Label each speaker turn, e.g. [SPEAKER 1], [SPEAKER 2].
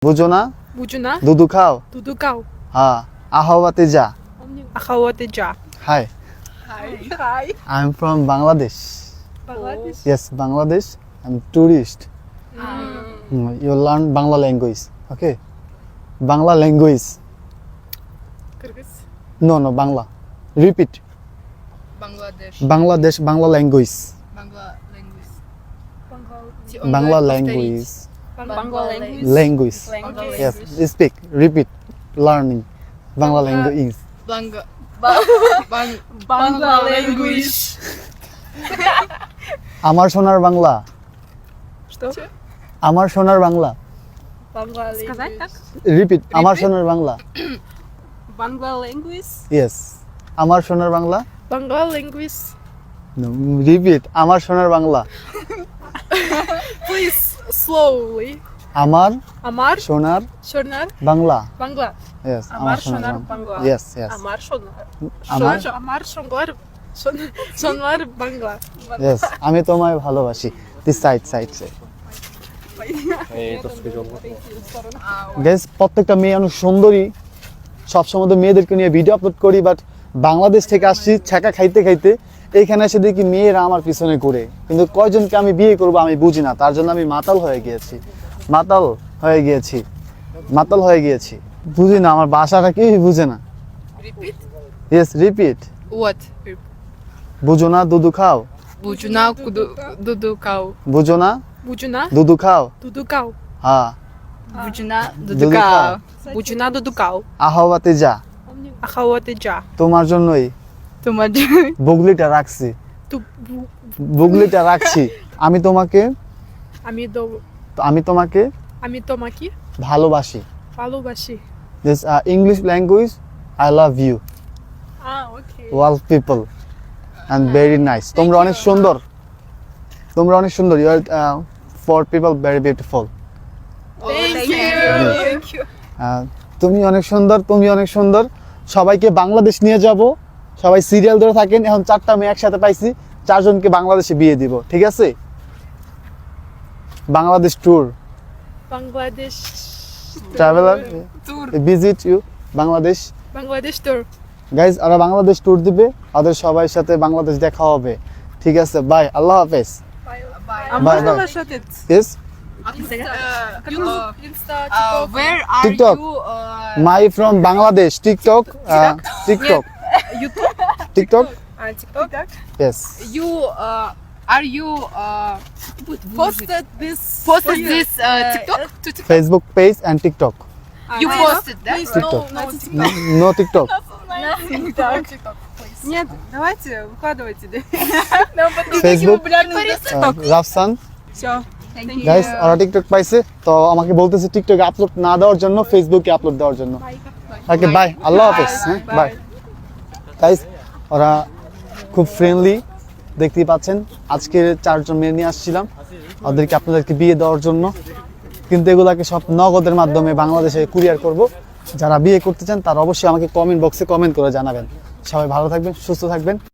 [SPEAKER 1] বুঝো না?
[SPEAKER 2] বুঝো না?
[SPEAKER 1] দুধু খাও?
[SPEAKER 2] দুধু খাও?
[SPEAKER 1] হ্যাঁ। আহওয়াতে যা।
[SPEAKER 2] আখাওয়াতে যা।
[SPEAKER 1] Hi,
[SPEAKER 2] Hi.
[SPEAKER 1] I'm from Bangladesh.
[SPEAKER 2] Bangladesh.
[SPEAKER 1] Yes, Bangladesh. I'm tourist. You learn Bangla language. Okay. Bangla language.
[SPEAKER 2] Kırgız.
[SPEAKER 1] No, Bangla. Repeat.
[SPEAKER 3] Bangladesh.
[SPEAKER 1] Bangladesh, Bangla language.
[SPEAKER 3] Bangla language.
[SPEAKER 1] Bangla language.
[SPEAKER 2] Bangla language.
[SPEAKER 1] Language.
[SPEAKER 3] Language.
[SPEAKER 1] Yes, speak. Repeat. Learning. Bangla language.
[SPEAKER 3] Bangla
[SPEAKER 2] language.
[SPEAKER 1] আমার সোনার বাংলা।
[SPEAKER 2] Что?
[SPEAKER 1] আমার সোনার Bangla.
[SPEAKER 2] Bangla Сказать так?
[SPEAKER 1] Repeat. আমার সোনার Bangla.
[SPEAKER 2] Bangla language.
[SPEAKER 1] Yes. আমার সোনার Bangla.
[SPEAKER 2] Bangla language.
[SPEAKER 1] No, repeat. আমার সোনার বাংলা।
[SPEAKER 2] Please slowly.
[SPEAKER 1] আমার
[SPEAKER 2] Amar
[SPEAKER 1] সোনার
[SPEAKER 2] Shonar
[SPEAKER 1] Bangla.
[SPEAKER 2] Bangla.
[SPEAKER 1] Yes.
[SPEAKER 2] Amar Shonar Bangla.
[SPEAKER 1] Yes, yes.
[SPEAKER 2] Amar Shonar.
[SPEAKER 1] Amar?
[SPEAKER 2] Amar Shonar. Shonar Bangla.
[SPEAKER 1] Yes. আমি তোমায় ভালোবাসি। This side. Guys, প্রত্যেকটা মেয়ে অনেক সুন্দরী। সবসময় তো মেয়েদেরকে নিয়ে ভিডিও আপলোড করি, বাট বাংলাদেশ থেকে আসছি ছ্যাঁকা খাইতে খাইতে এইখানে এসে দেখি মেয়েরা আমার পিছনে ঘুরে, কিন্তু কয়জনকে আমি বিয়ে করব আমি বুঝি না। তার জন্য আমি মাতাল হয়ে গিয়েছি। বুঝি না, আমার ভাষাটা কেউই বুঝে না।
[SPEAKER 3] Repeat.
[SPEAKER 1] Yes, repeat.
[SPEAKER 3] What?
[SPEAKER 1] বুঝো না দুধু খাও?
[SPEAKER 3] Bujuna dudu cow.
[SPEAKER 1] বুঝো না
[SPEAKER 2] Bujuna
[SPEAKER 1] দুধু খাও?
[SPEAKER 2] Dudu Cow.
[SPEAKER 1] হ্যাঁ।
[SPEAKER 3] Bujuna
[SPEAKER 1] Dudu
[SPEAKER 3] dudu
[SPEAKER 1] cow.
[SPEAKER 3] cow.
[SPEAKER 2] Bujuna Dudu Cow.
[SPEAKER 1] আহওয়াতে যা।
[SPEAKER 2] Akhawate ja.
[SPEAKER 1] তোমার জন্যই
[SPEAKER 3] Tomaj.
[SPEAKER 1] বুগলিটা রাখছি।
[SPEAKER 2] Tu
[SPEAKER 1] বুগলিটা রাখছি। আমি তোমাকে
[SPEAKER 2] tomaki
[SPEAKER 1] ভালোবাসি।
[SPEAKER 2] ভালোবাসি।
[SPEAKER 1] This English language, I love you.
[SPEAKER 2] Okay.
[SPEAKER 1] All people and very nice. তোমরা অনেক সুন্দর। You are for people very beautiful.
[SPEAKER 2] Thank you.
[SPEAKER 1] তুমি অনেক সুন্দর। সবাইকে বাংলাদেশ নিয়ে যাব। সবাই সিরিয়াল ধরে থাকেন। এখন 4টা মেয়ে একসাথে পাইছি, 4জনকে বাংলাদেশে বিয়ে দিব। ঠিক আছে? Bangladesh tour.
[SPEAKER 2] Bangladesh
[SPEAKER 1] traveller
[SPEAKER 3] Tour.
[SPEAKER 1] Visit you Bangladesh.
[SPEAKER 2] Bangladesh tour.
[SPEAKER 1] Guys, ওরা বাংলাদেশ ট্যুর দিবে, ওদের সবার সাথে বাংলাদেশ দেখা হবে। ঠিক আছে, বাই, আল্লাহ হাফেজ। Bye, bye. Yes,
[SPEAKER 3] Where are
[SPEAKER 1] TikTok.
[SPEAKER 3] you?
[SPEAKER 1] my from Bangladesh. TikTok. TikTok.
[SPEAKER 2] YouTube.
[SPEAKER 1] TikTok.
[SPEAKER 2] TikTok.
[SPEAKER 1] Yes.
[SPEAKER 3] You are you
[SPEAKER 2] Posted this.
[SPEAKER 3] TikTok to TikTok?
[SPEAKER 1] Facebook page and TikTok.
[SPEAKER 3] You posted that?
[SPEAKER 1] TikTok.
[SPEAKER 2] No,
[SPEAKER 1] No TikTok.
[SPEAKER 2] TikTok.
[SPEAKER 4] Нет, давайте, выкладывайте.
[SPEAKER 1] Facebook. Rafsan.
[SPEAKER 4] Все.
[SPEAKER 1] Guys, ওরা TikTok পাইছে, তো আমাকে বলতেছে টিকটকে upload না দেওয়ার জন্য, ফেসবুকে আপলোড দেওয়ার জন্য। ওকে, বাই, আল্লাহ হাফেজ। বাই গাইস, ওরা খুব ফ্রেন্ডলি, দেখতেই পাচ্ছেন। আজকে 4জন মেয়ে নিয়ে আসছিলাম ওদেরকে আপনাদেরকে বিয়ে দেওয়ার জন্য, কিন্তু এগুলাকে সব নগদের মাধ্যমে বাংলাদেশে কুরিয়ার করব। যারা বিয়ে করতে চান তারা অবশ্যই আমাকে কমেন্ট বক্সে কমেন্ট করে জানাবেন। সবাই ভালো থাকবেন, সুস্থ থাকবেন।